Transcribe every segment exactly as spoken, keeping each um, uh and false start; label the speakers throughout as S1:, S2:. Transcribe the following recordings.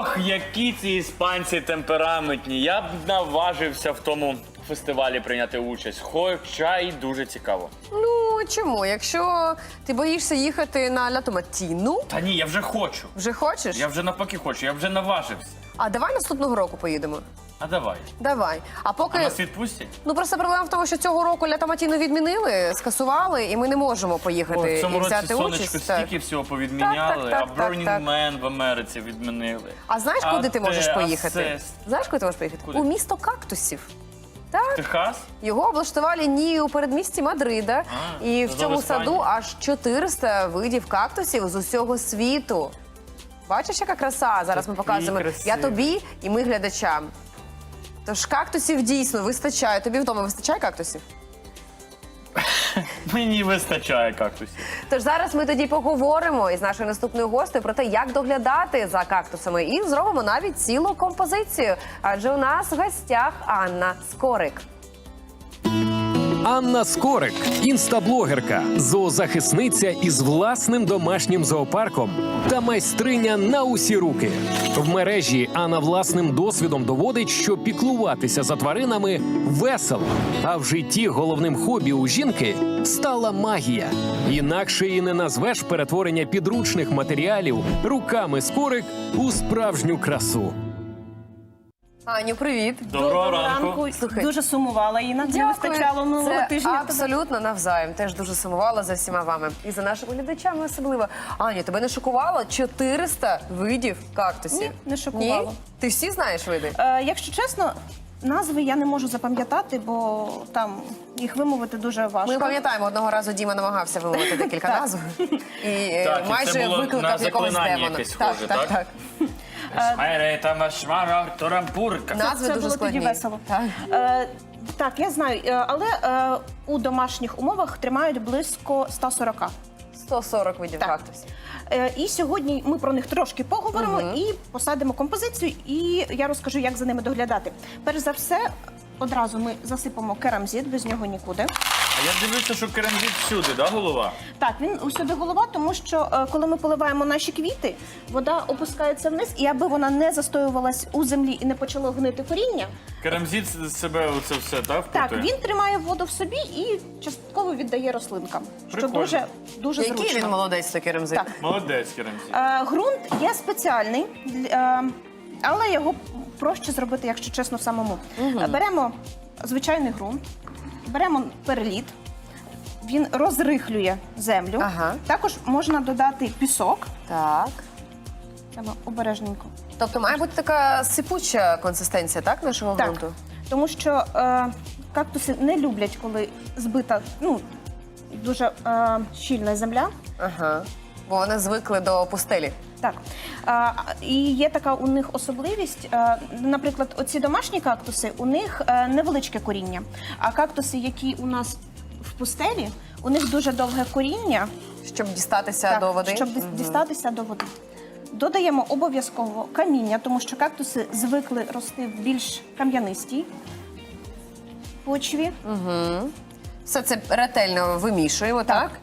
S1: Ох, які ці іспанці темпераментні. Я б наважився в тому фестивалі прийняти участь, хоча й дуже цікаво.
S2: Ну, чому? Якщо ти боїшся їхати на Ля Томатіну,
S1: Та ні, я вже хочу.
S2: вже хочеш?
S1: Я вже навпаки хочу, я вже наважився.
S2: А давай наступного року поїдемо.
S1: А давай.
S2: Давай. А поки...
S1: А нас відпустять?
S2: Ну, просто проблема в тому, що цього року Ля Томатіну відмінили, скасували, і ми не можемо поїхати
S1: О, в цьому
S2: і
S1: році
S2: взяти
S1: сонечко
S2: участь. Так.
S1: стільки всього повідміняли,
S2: Так, так, так,
S1: а Burning
S2: так, так.
S1: Man в Америці відмінили.
S2: А знаєш, куди ти можеш
S1: те,
S2: поїхати?
S1: а це-
S2: Знаєш, куди ти можеш поїхати?
S1: Куди?
S2: У місто кактусів. Так.
S1: Техас?
S2: Його облаштували ні у передмісті Мадрида.
S1: А,
S2: і в
S1: це
S2: цьому
S1: в Іспанії.
S2: саду аж чотириста видів кактусів з усього світу. Бачиш, яка краса? Зараз ми
S1: Такий
S2: показуємо.
S1: красивий.
S2: Я тобі і ми глядачам. Тож кактусів дійсно вистачає. Тобі вдома вистачає кактусів?
S1: Мені вистачає кактусів.
S2: Тож зараз ми тоді поговоримо із нашою наступною гостею про те, як доглядати за кактусами. І зробимо навіть цілу композицію. Адже у нас в гостях Анна Скорик.
S3: Анна Скорик – інстаблогерка, зоозахисниця із власним домашнім зоопарком та майстриня на усі руки. В мережі Анна власним досвідом доводить, що піклуватися за тваринами весело, а в житті головним хобі у жінки стала магія. Інакше і не назвеш перетворення підручних матеріалів руками Скорик у справжню красу.
S2: Аню, привіт.
S1: Доброго ранку.
S2: Слухай.
S4: Дуже сумувала, Інна. Не вистачало минулого
S2: Це
S4: тижня.
S2: абсолютно навзаєм. Теж дуже сумувала за всіма вами. І за нашими глядачами особливо. Аню, тебе не шокувало чотириста видів кактусів?
S4: Ні, не шокувало.
S2: Ні? Ти всі знаєш види?
S4: Е, якщо чесно, назви я не можу запам'ятати, бо там їх вимовити дуже важко.
S2: Ми пам'ятаємо, одного разу Діма намагався вимовити декілька
S4: Так.
S2: назв. І е,
S1: Так, і це
S2: майже
S1: було
S2: викликав
S1: на
S2: якогось
S1: заклинання
S2: демона.
S1: якесь
S2: Так,
S1: схоже,
S2: так,
S1: так?
S2: так.
S1: Шмайре та машмара торампурка.
S2: Назви
S4: Це
S2: дуже
S4: було
S2: складні.
S4: тоді весело.
S2: Так.
S4: Е, так, я знаю, е, але е, у домашніх умовах тримають близько ста сорока.
S2: сто сорок видів
S4: Так.
S2: кактусів.
S4: Е, і сьогодні ми про них трошки поговоримо і посадимо композицію, і я розкажу, як за ними доглядати. Перш за все, одразу ми засипемо керамзит, без нього нікуди.
S1: А я дивлюся, що керамзит всюди, да, голова?
S4: Так, він усюди голова, тому що е, коли ми поливаємо наші квіти, вода опускається вниз, і аби вона не застоювалась у землі і не почало гнити коріння,
S1: Керамзит з себе оце все, так,
S4: так,
S1: впитує?
S4: він тримає воду в собі і частково віддає рослинкам, що
S1: Прикольно.
S4: дуже, дуже
S2: Який
S4: зручно.
S2: він молодець, той керамзит?
S4: Так.
S1: Молодець, керамзит.
S4: Е, ґрунт є спеціальний, е, але його проще зробити, якщо чесно, самому. Е, Беремо звичайний ґрунт, беремо перліт, він розрихлює землю.
S2: Ага.
S4: Також можна додати пісок.
S2: Так.
S4: Треба обережненько.
S2: Тобто має бути така сипуча консистенція, так, нашого
S4: Так,
S2: ґрунту?
S4: тому що е, кактуси не люблять, коли збита, ну, дуже е, щільна земля.
S2: Ага. Бо вони звикли до пустелі.
S4: Так. А, і є така у них особливість. е, Наприклад, оці домашні кактуси, у них е, невеличке коріння. А кактуси, які у нас в пустелі, у них дуже довге коріння,
S2: Щоб дістатися
S4: так,
S2: до води?
S4: щоб дис- дістатися до води. Додаємо обов'язково каміння, тому що кактуси звикли рости в більш кам'янистій почві.
S2: Все це ретельно вимішуємо, так?
S4: Так.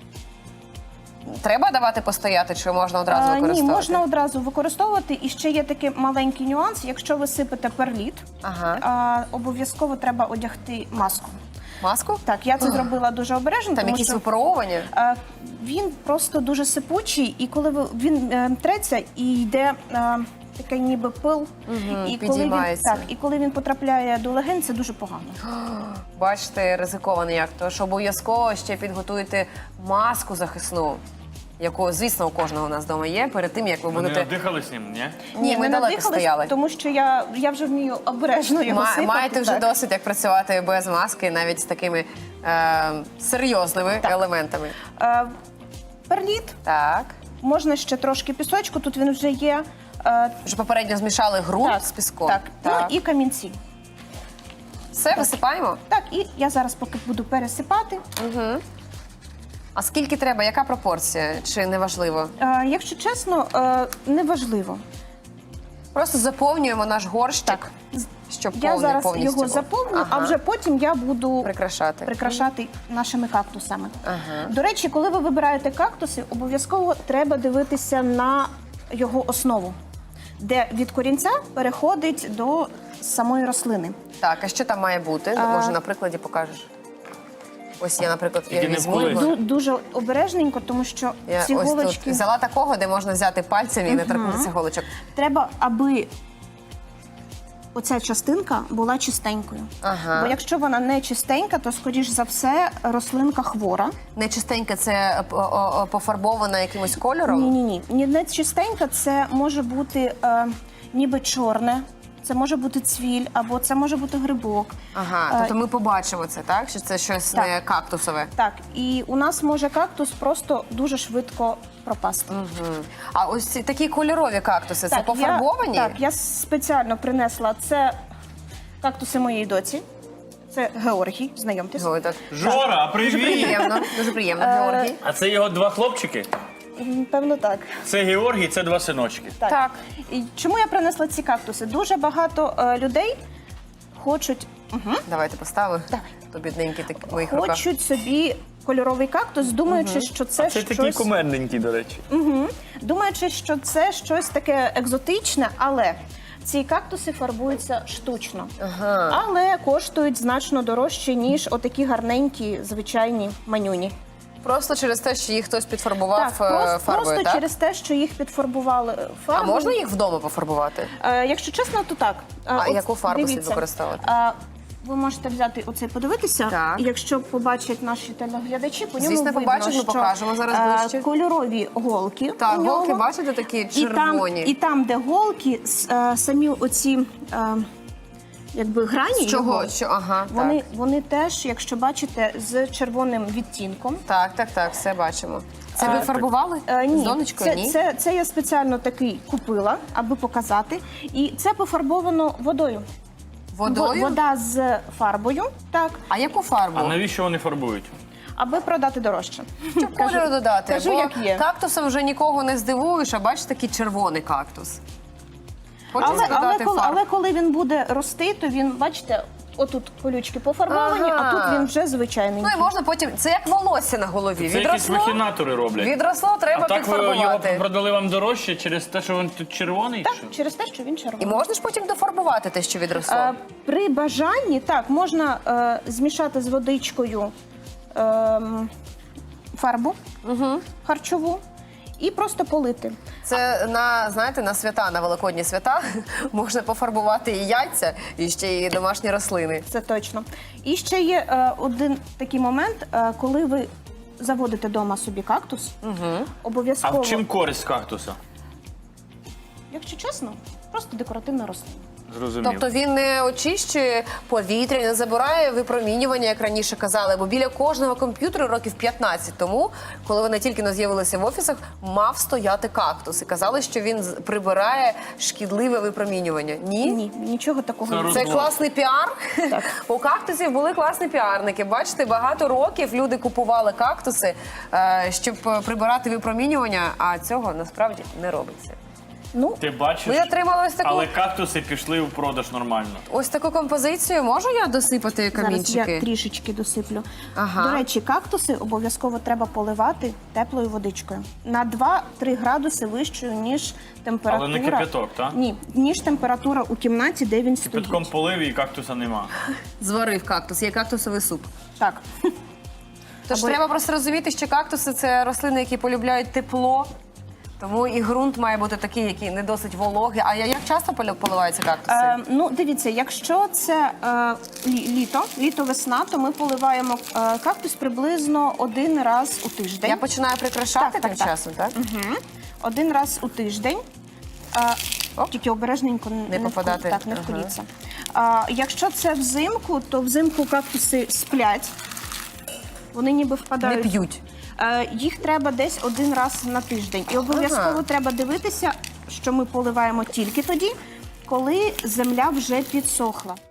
S2: Треба давати постояти, чи можна одразу
S4: А,
S2: використовувати?
S4: Ні, можна одразу використовувати. І ще є такий маленький нюанс. Якщо ви сипете перліт,
S2: Ага.
S4: а, обов'язково треба одягти маску.
S2: Маску?
S4: Так, я це зробила дуже обережно,
S2: Там
S4: тому
S2: якісь
S4: що
S2: випаровування?
S4: а, він просто дуже сипучий, і коли ви, він е, треться і йде е, такий ніби пил, і коли він,
S2: підіймається.
S4: так, і коли він потрапляє до легень, це дуже погано.
S2: Бачите, ризиковано як. Тож обов'язково ще підготуйте маску захисну, яку, звісно, у кожного у нас вдома є, перед тим, як ви
S1: Вони
S2: будете...
S1: надихались ним, ні?
S2: Ні, ми
S4: не
S2: далеко
S4: надихались,
S2: стояли.
S4: тому що я, я вже вмію обережно його
S2: Ма-
S4: сипати.
S2: Маєте вже
S4: так.
S2: досвід, як працювати без маски, навіть з такими е, серйозними
S4: Так.
S2: елементами.
S4: Е, перліт,
S2: Так.
S4: можна ще трошки пісочку, тут він вже є. Е,
S2: Вже попередньо змішали ґрунт
S4: так,
S2: з піском.
S4: Так,
S2: Так.
S4: Ну, і камінці.
S2: Все, висипаємо?
S4: Так, і я зараз поки буду пересипати.
S2: А скільки треба? Яка пропорція? Чи не важливо?
S4: Е, якщо чесно, е, неважливо.
S2: Просто заповнюємо наш горщик,
S4: Так.
S2: щоб
S4: Я
S2: повний
S4: зараз
S2: повністю
S4: його
S2: був.
S4: заповню,
S2: Ага.
S4: а вже потім я буду
S2: прикрашати.
S4: прикрашати нашими кактусами.
S2: Ага.
S4: До речі, коли ви вибираєте кактуси, обов'язково треба дивитися на його основу. де від корінця переходить до самої рослини.
S2: Так, а що там має бути?
S4: А-
S2: Може, на прикладі покажеш? Ось я, наприклад, я
S1: Тільки не
S2: візьму
S1: вколись.
S2: його.
S4: Ду- Дуже обережненько, тому що
S2: Я
S4: ці
S2: ось
S4: голочки
S2: тут взяла такого, де можна взяти пальцем і не торкнутися голочок.
S4: треба, аби оця частинка була чистенькою.
S2: Ага.
S4: Бо якщо вона не чистенька, то, скоріш за все, рослинка хвора.
S2: Нечистеньке це е, о- о- о, пофарбована якимось кольором?
S4: Ні-ні-ні. Ні, не чистенька, це може бути е, ніби чорне, це може бути цвіль, або це може бути грибок.
S2: Ага,
S4: Е,
S2: тобто ми побачимо це, так? Що це щось
S4: Так.
S2: не кактусове.
S4: Так, і у нас може кактус просто дуже швидко пропасти.
S2: Мгм. А ось ці такі кольорові кактуси, це
S4: Так,
S2: пофарбовані?
S4: Я, так, я спеціально принесла це кактуси моєї доці. Це Георгій, знайомтесь.
S2: Ой, так.
S1: Жора,
S2: Дуже
S1: привіт!
S2: приємно, дуже приємно, Георгій.
S1: А це його два хлопчики?
S4: М, Певно, так.
S1: Це Георгій, це два синочки.
S4: Так.
S2: Так.
S4: І чому я принесла ці кактуси? Дуже багато е, людей хочуть, угу,
S2: Давайте поставимо.
S4: Давай.
S2: То бідненький так в моїх руках.
S4: хочуть собі кольоровий кактус, думаючи, що це,
S1: Це такий
S4: щось.
S1: кумедненький, до речі.
S4: Угу. Думаючи, що це щось таке екзотичне, але ці кактуси фарбуються штучно.
S2: Ага.
S4: Але коштують значно дорожче, ніж отакі гарненькі, звичайні манюні.
S2: Просто через те, що їх хтось підфарбував
S4: Так,
S2: е,
S4: просто,
S2: фарбою,
S4: просто
S2: так?
S4: через те, що їх підфарбували
S2: А
S4: фарбою.
S2: можна їх вдома пофарбувати?
S4: Е, якщо чесно, то так. Е,
S2: А
S4: от
S2: яку фарбу слід
S4: дивіться,
S2: використовувати?
S4: е, ви можете взяти оцей, подивитися,
S2: Так.
S4: і якщо побачать наші телеглядачі, по ньому
S2: Звісно,
S4: видно,
S2: побачать, ми
S4: що,
S2: покажемо зараз
S4: е,
S2: ближче.
S4: кольорові голки.
S2: Так,
S4: у нього.
S2: голки, бачите, такі
S4: І там,
S2: червоні.
S4: і там, де голки, с- е, самі оці е, якби грані,
S2: З чого?
S4: його,
S2: Що? Ага,
S4: вони,
S2: так.
S4: вони теж, якщо бачите, з червоним відтінком.
S2: Так, так, так, все бачимо. Це ви
S4: А,
S2: фарбували?
S4: Е, ні,
S2: З донечкою?
S4: це,
S2: Ні?
S4: Це, це я спеціально такий купила, аби показати. І це пофарбовано водою.
S2: Водою?
S4: Во- Вода з фарбою, так,
S2: А яку фарбу?
S1: А навіщо вони фарбують?
S4: аби продати дорожче.
S2: Щоб кольору додати.
S4: кажу,
S2: бо
S4: як є.
S2: кактусом вже нікого не здивуєш, а бачиш такий червоний кактус. Хочеться
S4: Але, але,
S2: додати
S4: коли,
S2: фарб.
S4: але коли він буде рости, то він, бачите, отут колючки пофарбовані,
S2: Ага.
S4: а тут він вже звичайний.
S2: Ну і можна потім. Це як волосся на голові.
S1: Це якісь
S2: Відросло,
S1: махінатори роблять.
S2: відросло, треба
S1: А так ви його
S2: підфарбувати.
S1: продали вам дорожче через те, що він тут червоний?
S4: Так,
S1: чи що?
S4: через те, що він
S2: І
S4: червоний.
S2: можна ж потім дофарбувати те, що відросло.
S4: Е, При бажанні, так, можна е, змішати з водичкою ем, фарбу харчову і просто полити.
S2: Це на, знаєте, на свята, на великодні свята можна пофарбувати і яйця, і ще й домашні рослини.
S4: Це точно. І ще є е, один такий момент, е, коли ви заводите вдома собі кактус,
S1: А
S4: обов'язково,
S1: в чим користь кактуса?
S4: якщо чесно, просто декоративна рослина.
S1: Зрозумів.
S2: Тобто він не очищує повітря, не забирає випромінювання, як раніше казали, бо біля кожного комп'ютера років п'ятнадцять тому, коли вони тільки не з'явилися в офісах, мав стояти кактус. І казали, що він з- прибирає шкідливе випромінювання. Ні?
S4: Ні, нічого такого
S1: Це
S4: не
S1: роз-
S2: Це
S1: Розвод.
S2: класний піар.
S4: Так.
S2: У кактусів були класні піарники. Бачите, багато років люди купували кактуси, е, щоб е, прибирати випромінювання, а цього насправді не робиться.
S4: Ну,
S1: Ти бачиш?
S2: Ми отримали ось таку,
S1: Але кактуси пішли у продаж нормально.
S2: ось таку композицію. Можу я досипати
S4: зараз
S2: камінчики?
S4: я трішечки досиплю.
S2: Ага.
S4: До речі, кактуси обов'язково треба поливати теплою водичкою. На два-три градуси вищою, ніж температура.
S1: Але не кипяток, так?
S4: Ні, ніж температура у кімнаті, де він стоїть.
S1: Підком полив і кактуса нема.
S2: Зварив кактус, є кактусовий суп.
S4: Так.
S2: Тож
S4: Або-
S2: треба просто розуміти, що кактуси це рослини, які полюбляють тепло. Тому і ґрунт має бути такий, який не досить вологий. А я- як часто полю- поливаються кактуси?
S4: Е, ну, дивіться, якщо це е, лі- літо, літо-весна, то ми поливаємо е, кактус приблизно один раз у тиждень.
S2: Я починаю прикрашати
S4: Так,
S2: тим
S4: так, так.
S2: часом, так?
S4: Мгм. Один раз у тиждень. Е,
S2: Оп.
S4: тільки обережненько не,
S2: попадати.
S4: вку- так, не
S2: Ага.
S4: вколіться. А, якщо це взимку, то взимку кактуси сплять. Вони ніби
S2: Не
S4: впадають.
S2: п'ють.
S4: Е, їх треба десь один раз на тиждень. І обов'язково
S2: Ага.
S4: треба дивитися, що ми поливаємо тільки тоді, коли земля вже підсохла.